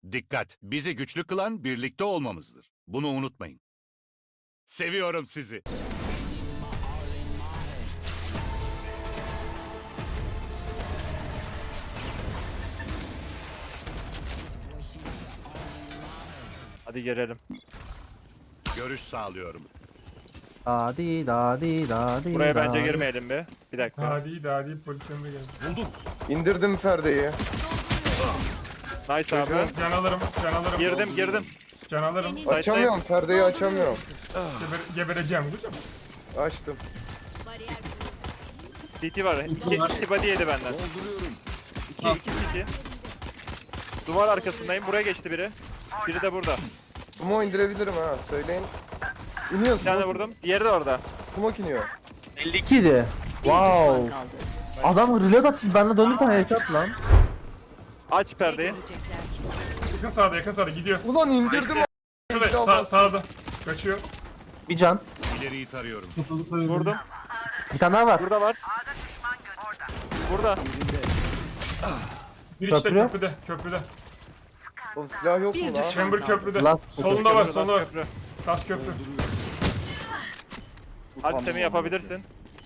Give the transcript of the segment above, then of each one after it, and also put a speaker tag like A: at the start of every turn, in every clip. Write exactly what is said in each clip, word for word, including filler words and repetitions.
A: Dikkat! Bizi güçlü kılan birlikte olmamızdır. Bunu unutmayın. Seviyorum sizi.
B: Hadi girelim.
A: Görüş sağlıyorum.
C: Dadi dadi dadi.
B: Buraya bence
C: dadi.
B: girmeyelim bir. Bir dakika.
D: Daha değil, daha değil. Polisyonda geldi.
A: Buldum.
E: İndirdim Ferde'yi.
B: Nice abi.
D: Can alırım, can alırım.
B: Girdim girdim.
D: Can alırım.
B: Nice.
E: Açamıyorum Ferde'yi açamıyorum.
D: Geber, gebereceğim kızım.
E: Açtım.
B: C T var. İki, iki body yedi benden. İki, iki C T. Duvar arkasındayım. Buraya geçti biri. Biri de burada.
E: Smoke indirebilirim ha söyleyin. İniyor
B: Bir tane
E: smoke.
B: vurdum. Diğeri de orada.
E: Smoke iniyor.
C: elli iki idi. Wow. Adam reload attı. Ben de döndüm tane headshot lan.
B: Aç perdeyi.
D: Yakın sağda, yakın sağda gidiyor.
E: Ulan indirdim.
D: Şurada, sağ, sağda. Kaçıyor.
C: Bir can.
A: İleriyi tarıyorum.
B: Vurdum.
C: Bir tane daha var.
B: Burada var. Burada.
D: Bir işte
C: Köprü.
D: köprüde, köprüde.
E: Oğlum silah yok mu lan?
D: Chamber köprüde.
C: Last
D: Solunda var,
B: Köprü,
D: solunda var.
B: köprü.
D: Kas köprü.
B: Hadi Semih yapabilirsin.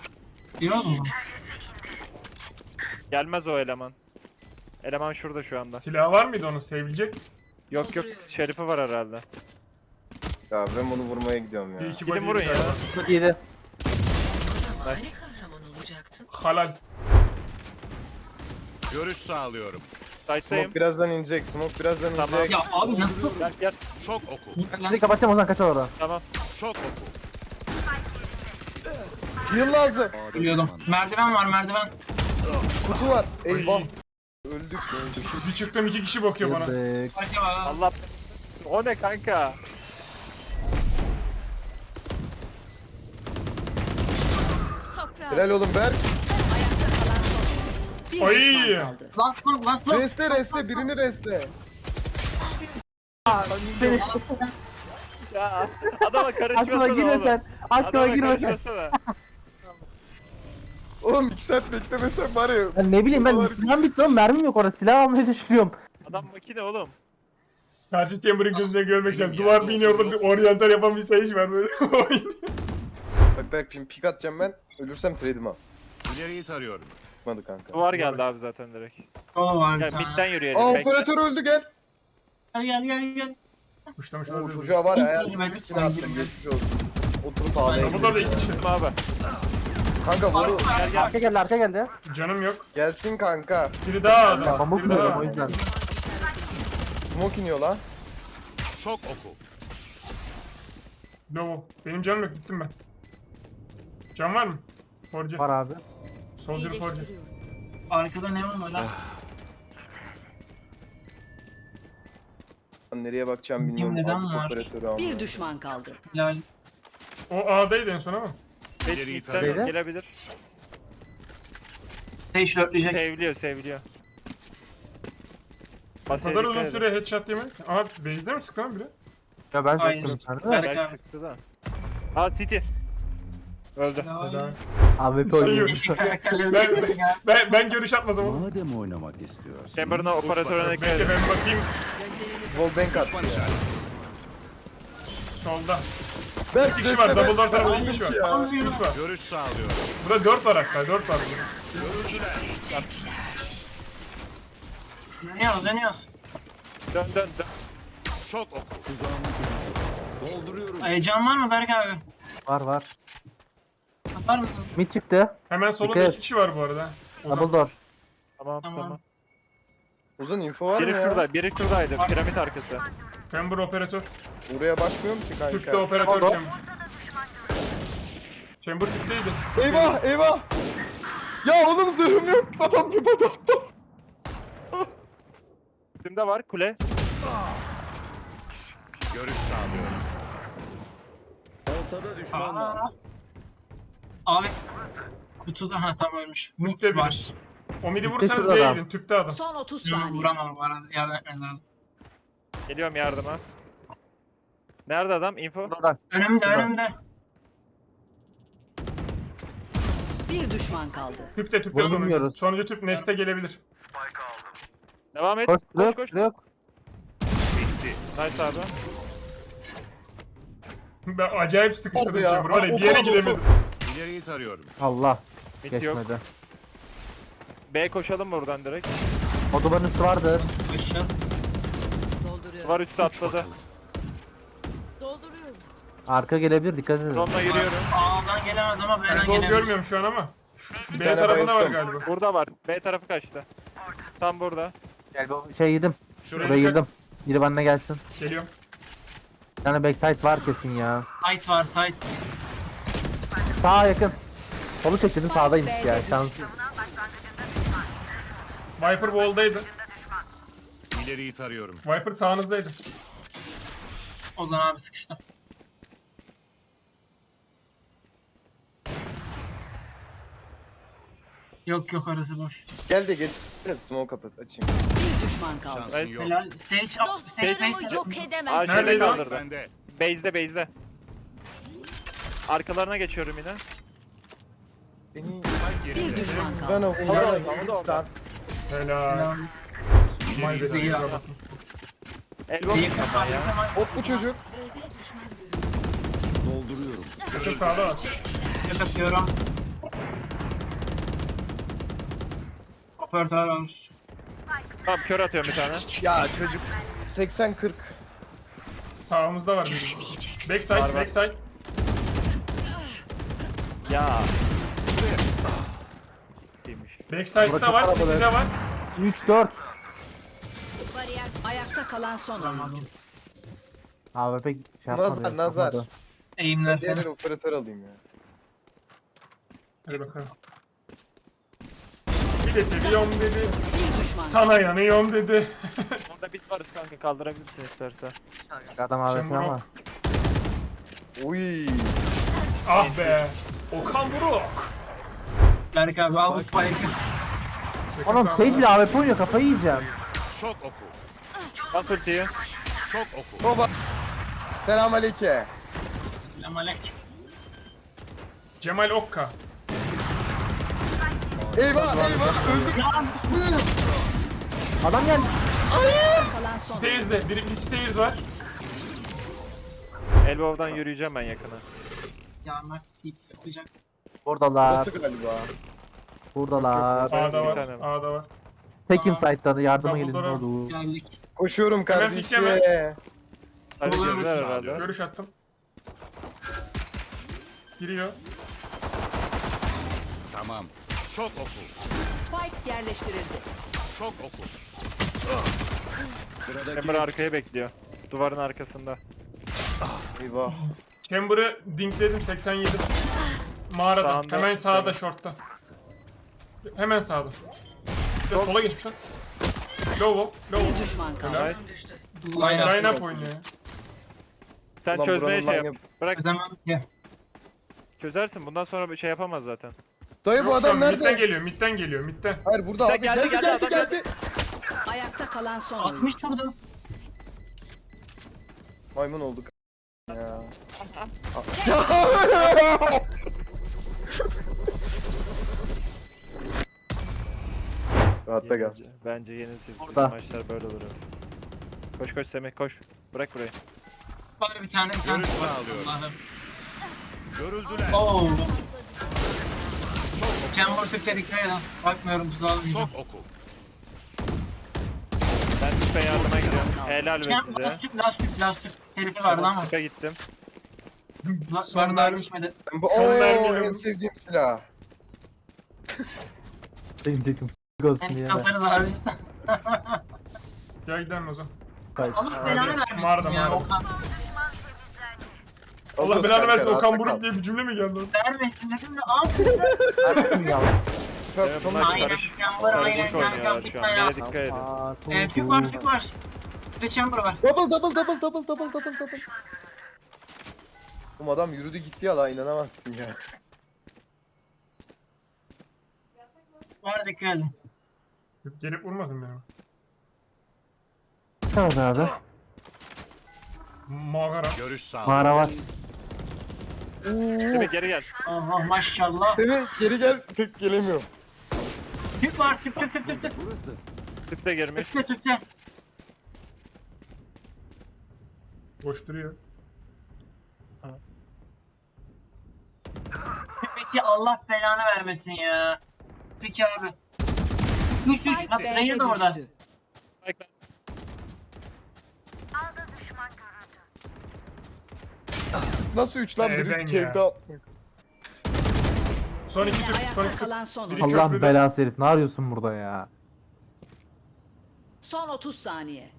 B: Gelmez o eleman. Eleman şurada şu anda.
D: Silahı var mıydı onun sevilecek?
B: Yok yok. Şerifi var herhalde.
E: Ya ben bunu vurmaya gidiyorum
D: Bir
E: ya.
D: iki
B: Gidin
D: body
B: vurun
D: yedi
B: ya.
D: galiba.
C: Çok iyiydi.
D: Halal.
A: Görüş sağlıyorum.
B: Sight'tayım.
E: Smoke birazdan inecek. Smoke birazdan
B: Tamam.
E: inecek.
F: Ya abi nasıl?
B: Gel gel.
A: Şok oku.
C: Şimdi kapatacağım o zaman kaçar orada.
B: Tamam.
A: Şok oku.
E: Heal lazım.
F: Biliyordum. Merdiven var merdiven.
E: Kutu var. Eyvah.
D: Ay.
E: Öldük öldük.
D: Bir çıktım iki kişi bakıyor bana.
C: Girdik.
F: Harika var.
B: Allah. O ne kanka?
E: Helal oğlum Berk.
D: Ay.
F: Last one last one.
E: Reste reste birini reste.
C: Seni
B: Ya adama karışmasana
C: aklıma girme
B: oğlum.
C: sen. Aklıma
B: Adama
C: girme sen.
B: karışmasana.
E: Oğlum iki saat beklemesem var ya.
C: Ya ne bileyim ben
E: Var.
C: silahım bitti lan mermim yok orada silah almaya çalışıyorum.
B: Adam makine oğlum.
D: Karşı Chamber'ın gözüne görmek istedim. Duvar bir orada bir oryantal yapan bir sayış var böyle.
E: Bak Berk şimdi pik atacağım ben. Ölürsem trade'im al.
A: İleriyi tarıyorum.
E: Çıkmadı kanka.
B: Duvar geldi abi zaten direkt.
F: Kolu var bir
B: Gel
F: tane.
B: midden yürüyelim.
E: Aa
B: bekle.
E: operatör öldü gel.
F: Gel gel gel gel.
D: Kuşlamış
E: Oo
D: olabilir.
E: çocuğa var ya
F: Ben
E: hayatımın
F: ben
E: bitini attım geçmiş olsun. Oturup ağlayayım.
D: Burada da iki kişi.
B: Gittim abi.
E: Kanka bunu
B: Gel gel.
C: Arka geldi arka geldi.
D: Canım yok.
E: gelsin kanka.
D: Biri daha adam.
C: Pamuk
D: Biri daha.
C: yiyorum o yüzden.
E: Smoke iniyor lan.
A: Şok oku.
D: No. Benim canım yok gittim ben. Can var mı? Forge.
C: Var abi.
D: Soldier Forge.
F: Arkada ne var lan?
E: Lan nereye bakacağım bilmiyorum.
F: Neden
E: Aldık
F: var?
E: operatörü ama.
G: Bir düşman kaldı.
F: Helal.
D: O A'daydı en son ama.
A: İleriyi
B: Midden
A: tarıyorum.
B: gelebilir.
F: Sage dörtleyecek.
B: Seviliyor seviliyor.
D: O kadar uzun süre headshot yemek. Aha base'de mi sıktı lan biri?
C: Ya ben
F: Hayır.
C: sıktım içeride de.
F: Berk
B: Belki
F: abi.
B: sıktı da. Aa City. Öldü.
F: Helal.
C: A W P
D: Şey
C: oynuyor.
D: yok.
F: Yeşil karakterleri
D: Ben-
F: de ya.
D: Ben, ben görüş atmasam ama.
H: Madem oynamak istiyorsun.
B: Chamber'ın operatörüne dikkat
D: Bekle
B: edin.
D: ben bakayım.
G: Gözlerini
E: Wallbang attı ya.
D: Solda.
E: Berk
D: İki kişi var.
E: desene,
D: Double door tarafında iki
E: öldük
D: kişi var.
E: ya.
D: Üç var.
A: Görüş sağlıyorum.
D: Burada dört var hatta. Dört var burada.
F: Dönüyoruz dönüyoruz.
B: Dön dön dön.
A: Şok oku.
H: Dolduruyorum.
F: Ay, can var mı Berk abi?
C: Var var.
F: Atar mısın?
C: Mid çıktı.
D: Hemen solunda
C: Dikkat
D: iki
C: et.
D: kişi var bu arada. Ozan.
C: Double door.
B: Tamam
F: Tamam.
B: tamam.
E: Uzun info var mı
B: Biri
E: ya?
B: şurada, biri şuradaydı. Piramit arkası.
D: Chamber operatör.
E: Buraya bakmıyorum ki kanka.
D: Tüpte operatör
C: Tamam.
D: Chamber. Chamber tüpteydi.
E: Eyvah eyvah. Ya oğlum zırhım yok. Adam tüp attı.
B: Üstümde var kule.
A: Görüş sağlıyorum.
H: Ortada düşman var.
F: Aa. Abi. Kutuda ha tam ölmüş.
D: Mitte
F: Mid
D: biri.
F: var.
D: O midi
C: Tüpte
D: vurursanız
C: şurada
D: B'ye
C: adam.
D: gidin. Tüpte adam.
G: son otuz
F: Yok
G: saniye.
F: vuramam bu arada. Yardım etmem lazım.
B: Geliyorum yardıma. Nerede adam? Info.
C: Burada.
F: Önümde
C: Şurada.
F: önümde.
G: Bir düşman kaldı.
D: Tüpte tüpte
C: Bunu
D: sonuncu.
C: bilmiyoruz.
D: Sonuncu tüp Nest'e gelebilir.
B: Devam et.
C: Koş
B: Koş
C: yok
B: koş.
C: yok.
B: Nice abi.
D: Ben acayip sıkıştırdım
E: Vardı ya.
D: Chamber'ı. Var ya,
E: Aa,
D: bir yere
E: oku,
D: gidemedim.
A: İleriyi tarıyorum.
C: Allah.
B: Mid yok.
C: Geçmedi.
B: B koşalım buradan direkt.
C: O duvarın üstü vardır.
F: Koşacağız.
G: Dolduruyorum.
B: Duvar üstü atladı.
G: Dolduruyorum.
C: Arka gelebilir, dikkat edin.
B: Drone'la yürüyorum.
F: A'dan gelemez ama B'den
D: Ben gol
F: gelebilir.
D: görmüyorum şu an ama. Şu B
E: tane
D: tarafında var
E: bayılttım.
D: galiba.
B: Burada var. B tarafı kaçtı. Tam burada.
C: Gel bu şey yedim.
A: Şuraya.
C: Buraya girdim. Biri benimle gelsin.
D: Geliyorum.
C: Bir tane backside var kesin ya.
F: Site var site.
C: Sağa yakın. Solu çektim, sağdaymış ya. Şans.
D: Viper wall'daydı.
A: İleriyi tarıyorum.
D: Viper sağınızdaydı.
F: Ozan abi sıkıştı. Yok yok arası boş.
E: Gel de geç. Biraz smoke kapat açayım.
G: Bir düşman kaldı.
A: Şansın yok.
F: Helal. Sage up. Sage
G: Dostlarımı
F: base.
G: yok
B: Aa,
G: edemez.
B: şöyle
D: Neredeydi o?
B: kaldırdı.
A: Bende.
B: Base'de base'de. Arkalarına geçiyorum yine.
E: Beni
G: Bir düşman
E: bana
G: kaldı.
E: onlara
B: Orada, orada, orada.
D: Helal.
F: Helal.
D: My bad.
F: Değil abi.
D: kusura bakma.
B: Elbow
F: İyi
B: tutma
F: kafa.
B: ya.
E: hop bu çocuk.
D: Köşe sağda var.
F: Yok atıyorum. Operatör var.
B: Tamam kör atıyorum bir tane.
E: Ya çocuk. seksen kırk.
D: Sağımızda var biri. Backside,
B: Var, var.
D: backside.
B: Ya. Değilmiş.
D: Backside'da var,
C: Bırakın
D: City'de var.
C: üç dört.
G: Bariyer ayakta kalan son oyuncu.
C: Abi pek şey yapmadı.
E: Nazar, nazar.
C: yapmadı.
F: Eğimler
E: Diğer
F: falan.
E: operatör alayım ya.
D: Hadi bakalım. Bir de seviyorum dedi.
G: Bir düşman kaldı.
D: Sana yanıyorum dedi.
B: Orada bit varız kanka kaldırabilirsin istersen.
C: Adam abi
D: Chamber
C: ama.
E: Oy.
D: Ah be. Okan Buruk.
F: Berk abi al bu spike'ı.
C: Oğlum Sage bile A W P oynuyor, kafayı yiyeceğim.
A: Şok oku.
B: Bas ultiyi.
A: Şok oku.
E: Baba. Selam aleyküm.
F: Selamünaleyküm.
D: Cemal Okka.
E: Eyvah eyvah öldüm.
C: Adam geldi.
G: Kalan son oyuncu.
D: Stairs'de. Bir, bir stairs var.
B: Elbow'dan yürüyeceğim ben yakına.
F: Ya Mert tip yapacak.
C: Buradalar.
E: Nasıl galiba?
C: Buradalar.
B: Benim
D: A'da
B: bir
D: var.
B: tane var.
D: A'da var.
C: Tekim site'dan yardıma gelin.
D: Dumbledore'a.
C: Olur.
F: Geldik.
E: Koşuyorum kardeşim.
D: pikleme.
B: Hadi
F: Olur
B: gördüler
A: musun?
B: herhalde.
D: Görüş attım. Giriyor.
A: Tamam. Şok oku.
G: Spike yerleştirildi.
A: Şok oku.
B: Emre arkaya bekliyor. Duvarın arkasında.
E: Eyvah.
D: Chamber'ı dinkledim seksen yedi. Mağarada.
B: Sağında.
D: Hemen sağda shortta. Hemen sağda. Bir de sola geçmiş lan. Low wall. Low
G: Bir
D: wall.
G: düşman kaldı.
B: Nice.
F: Line
D: Line
F: up.
D: up oynuyor.
B: Sen
E: Ulan
B: çözmeye
E: buranın
B: şey
E: line
B: yap.
E: up-
B: Bırak
F: Çözemem ki.
B: çözersin. Bundan sonra bir şey yapamaz zaten.
E: Dayı bu
D: Yok, şu an
E: adam
D: midden
E: nerede?
D: geliyor, midden geliyor, midden.
E: Hayır burada
B: Sen
E: abi.
B: geldi,
E: Geldi
B: geldi,
E: geldi
B: adam
E: geldi.
B: geldi.
G: Ayakta kalan son oyuncu.
F: altmış vurdu.
E: Maymun olduk. Ya. Rahatta gel.
B: Bence, bence yenilsiz.
C: Burada.
B: Maçlar böyle olur. abi. Koş koş Semih koş. Bırak burayı.
F: Var bir tane bir tane.
A: Görüş
F: var.
A: sağlıyorum.
F: Allah'ım.
A: Görüldüler.
F: Oo.
A: Şok oku.
F: Chamber Türk'te dikkat edin. Bakmıyorum tuzağa almayacağım.
A: Şok oku.
B: Ben tüpe yardıma gidiyorum. Helal be
F: Chamber
B: size.
F: lastik lastik lastik. Herifi vardı ama.
B: Tüpe gittim.
F: La-
D: Son
F: Var daha
D: mermi-
F: geçmedi.
E: Ben bu
D: Son
E: ooo
D: mermiyle
E: en
D: vur.
E: sevdiğim silah.
C: Benim tekim. Olsun
F: Hem
C: diye.
F: katarız abi.
D: Gel gidelim o zaman.
F: Allah belanı
D: Mağarada,
F: vermesin
D: mağarada.
F: ya Okan.
D: Allah
E: Otur
D: belanı
E: kanka,
D: versin,
E: rahatta
D: Okan
E: kal.
D: Buruk diye bir cümle mi geldi?
F: Vermesin dedim de abi.
C: Ya.
E: Çok
B: Evet,
E: tamam.
B: bunlar
F: Aynen
B: karış-
F: Chamber aynen
B: Karışık oynuyorlar
F: kanka
B: şu
F: gitme
B: an.
F: ya.
B: Yere dikkat edin.
C: Aa,
F: Ee,
C: çok
F: tük var
C: iyi.
F: tük var. Bir de Chamber var.
E: Double double double double double double double. Oğlum adam yürüdü gitti ya la inanamazsın ya.
F: Var dikkat edin.
D: Yok, gelip vurmadın beni.
C: Evet abi.
D: Mağara.
A: Görüş sağlıyorum.
C: Mağara var.
B: Semih geri gel.
F: Allah maşallah.
E: Seni geri gel pek gelemiyorum.
F: Tük var tük tük tük tük tük.
B: Tüp de girmiş.
F: Tükte tükte.
D: Boş duruyor.
F: Peki Allah belanı vermesin ya. Peki abi. üç üç.
G: Spike
F: Bak Reyna
G: B'de
F: da orada.
G: düştü.
E: Nasıl üç lan
D: Evden
E: biri
D: ya.
E: cave'de atmak.
D: Son iki
G: Yine
D: tür. Son
G: ayakta
D: iki tür.
G: kalan son
D: Biri
G: oyuncu.
C: Allah
D: köprüde.
C: belası herif. Ne arıyorsun burada ya?
G: Son otuz saniye.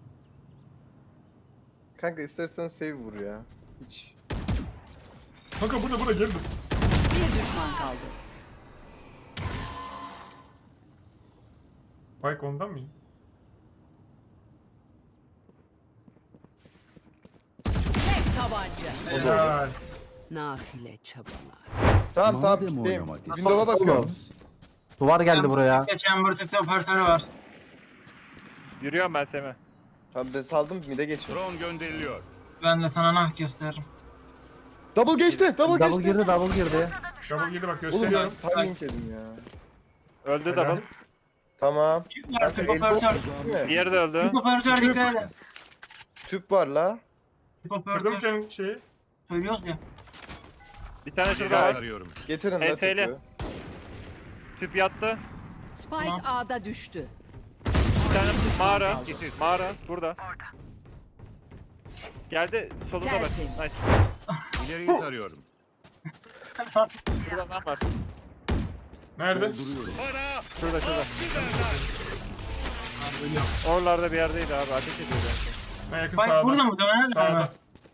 E: Kanka istersen save vur ya. Hiç.
D: Kanka burada burada geldi.
G: Bir düşman kaldı.
D: Spike ondan mı?
G: Tek tabanca.
D: Helal.
G: Nafile çabalar.
E: Tamam tamam gideyim. Windows'a bakıyorum.
C: Duvar geldi buraya.
F: Chamber tıkta operatörü var.
B: Yürüyorum ben Semih.
E: Tamam ben saldım mid'e geçiyorum.
A: Drone gönderiliyor.
F: Ben de sana nah gösteririm.
E: Double geçti, double,
C: Double
E: geçti.
C: girdi, double girdi.
D: Double girdi bak
E: Oğlum
D: gösteriyorum.
E: ben timing yedim ya.
B: Öldü
D: Helal.
B: double.
E: Tamam.
F: Tüp var,
E: Kanka
F: tüp
E: elbow
F: operatör.
E: değil mi?
B: Diğeri de öldü.
F: Tüp operatör dikkat edin.
E: Tüp var la.
F: Tüp
D: Kırdım
F: operatör.
D: senin şeyi.
F: Söylüyoruz ya.
B: Bir tane şurada
A: İleri
B: var.
A: arıyorum.
E: Getirin la
B: H S L.
E: tüpü.
B: Tüp yattı.
G: Spike
F: Tamam.
G: A'da düştü.
B: Bir tane mağara.
A: İkisiz.
B: Mağara burada. Geldi solunda bak.
G: Tertemiz.
B: Nice.
A: İleriyi tarıyorum.
B: Burada adam var.
D: Nerede?
B: Şurada şurada. Oralarda bir yerdeydi abi. Ateş ediyordu.
D: Ben yakın
F: Bak
D: sağda.
F: burada mı? Döner mi?
D: Sağda.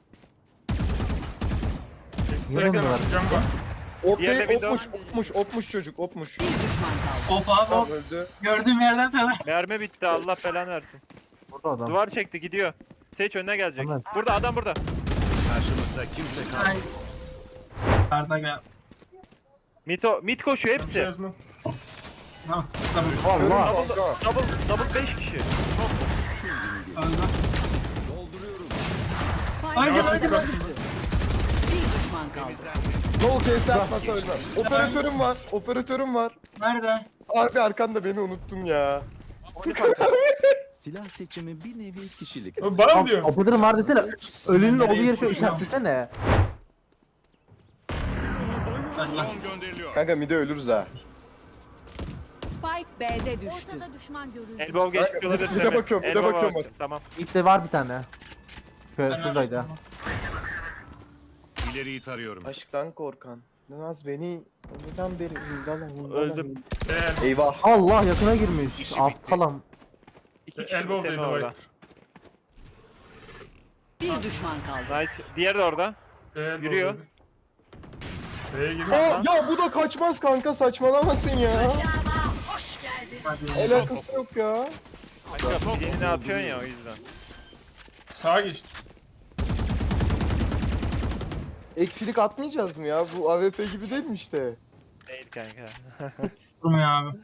D: seksen
C: Nereye mi
D: cam bastım.
B: Diğerine
E: Okey,
B: window.
E: opmuş, opmuş, opmuş çocuk, opmuş.
G: Bir düşman kaldı.
F: Hop abi
E: Tamam
F: hop.
E: öldü.
F: Gördüğüm yerden tanı.
B: Mermi bitti. Allah belanı versin.
C: Burada adam.
B: Duvar çekti gidiyor. Seç önüne gelecek.
C: Tamam.
B: Burada adam burada.
A: Karşımızda kimse
F: Ay.
A: kalmadı.
F: Arda gel.
B: Mito, mid koşuyor
D: Bir şey
B: hepsi.
D: yazma.
F: Tamam. Tamam.
C: Allah.
B: Double, double, double beş kişi.
F: Öldü.
G: Spike
F: Ay,
D: Yavaş
F: ay,
G: A'da
D: ses
G: düştü.
D: bastım.
G: Bir düşman kaldı.
E: No case atmasa ölmem. Operatörüm var, operatörüm var.
F: Nerede?
E: Harbi arkanda beni unuttun ya.
H: Silah seçimi bir nevi kişilik.
D: Oğlum bana mı diyor?
C: Operatörüm var desene. Ölünün olduğu yeri şöyle işaretlesene.
A: Drone gönderiliyor.
E: Kanka mid'e ölürüz ha.
G: Spike B'de düştü.
I: Ortada düşman görüldü.
B: Elbow geçmiş
E: Kanka,
B: olabilir.
E: bir de
B: Semih.
E: bakıyorum, bir de
B: Elbow
E: bakıyorum
B: var.
E: bak.
B: Tamam.
C: İlk de var bir tane. Şöyle
F: Ben
C: şuradaydı.
F: açtım.
A: İleriyi tarıyorum.
E: Aşktan korkan. Naz beni önceden beri hindala hindala.
B: Öldüm.
D: Eğer
E: Eyvah.
C: Allah yakına girmiş.
A: İşi bitti.
C: Aptalam.
B: İki kişi
D: elbow
B: Semih
D: dedi
B: orada.
D: Viper.
G: Bir düşman kaldı.
B: Nice. Diğeri de orada.
D: Elbow
B: Yürüyor.
D: dedi. B'ye girmiş.
E: Aa, ya bu da kaçmaz kanka saçmalamasın ya. Alakası yok ya.
B: Kanka birini atıyorsun ya o yüzden.
D: Sağa geçti.
E: Ekfilik atmayacağız mı ya? Bu A W P gibi değil mi işte?
B: Değil kanka.
F: Durmuyor abi.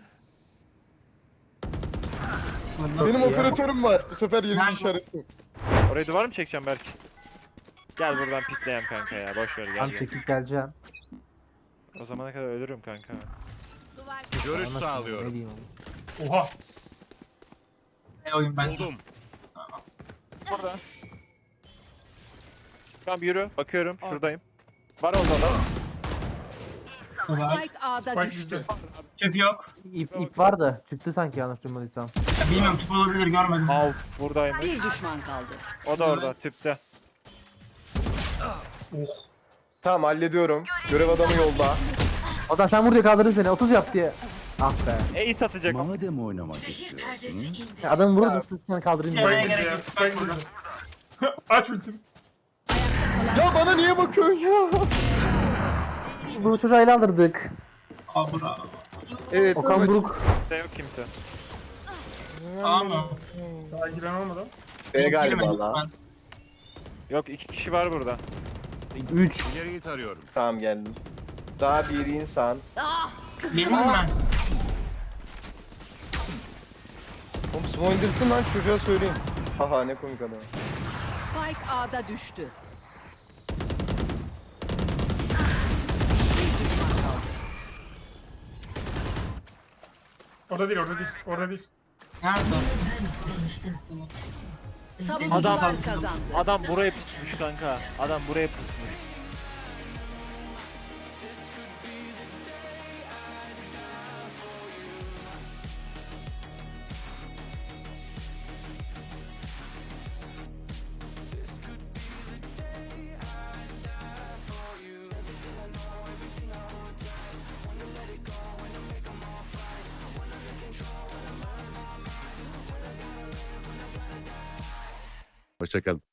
E: Benim operatörüm var. Bu sefer yeni
F: Nerede?
E: işaretim.
B: Oraya duvar mı çekeceğim Berk? Gel buradan pikleyem kanka ya. Boş ver
C: Ben
B: gel. gel.
C: çekip geleceğim.
B: O zamana kadar ölürüm kanka.
I: Duvar.
A: Görüş
C: Anasını,
A: sağlıyorum.
C: ne diyeyim oğlum.
D: Oha.
F: Ne oyun bence.
A: Buldum.
B: Burada. Tamam yürü. Bakıyorum. Şuradayım. Var orada adam.
F: Duvar.
G: Spike A'da
D: Spike
G: düştü.
D: bizde.
F: Tüp yok.
C: İp, ip vardı. Çıktı sanki yanlış duymadıysam.
F: Ya bilmiyorum tüp olabilir görmedim.
B: Al. Buradaymış.
G: Bir düşman kaldı.
B: O da orada. Tüpte.
D: Oh.
E: Tamam hallediyorum. Görev adamı yolda.
C: Adam sen vur diye kaldırır seni. otuz yap diye. Ah be.
B: E satacak.
H: Madem oynamak istiyorsunuz,
C: Ya adam vurur
E: Ya.
C: da siz seni kaldırayım
F: Şey-
C: diye.
D: Spike bizde
F: gerek
D: ya.
F: yok,
D: Spike
F: Spike
D: bizde. Aç ultimi.
E: Ya bana niye bakıyorsun ya?
C: Bu çocuğu ele aldırdık.
F: Aa bura.
E: Evet.
C: Okan
E: evet.
C: Buruk.
B: Kimse yok kimse.
F: Aa mı?
D: Daha giren olmadan.
E: B galiba
F: Girmedim
E: la.
F: ben.
B: Yok iki kişi var burada.
C: üç.
A: İleriyi tarıyorum.
E: Tamam geldim. Daha bir insan.
F: Geleyim ben.
E: Oğlum smoke indirsin lan çocuğa söyleyeyim. Haha ne komik adam.
G: Spike A'da düştü.
D: Orada değil orada değil. Orada değil.
F: Nerede?
G: Savunucular
B: Adam-
G: kazandı.
B: Adam buraya pusmuş kanka. Adam buraya pusmuş.
A: Hoşçakalın.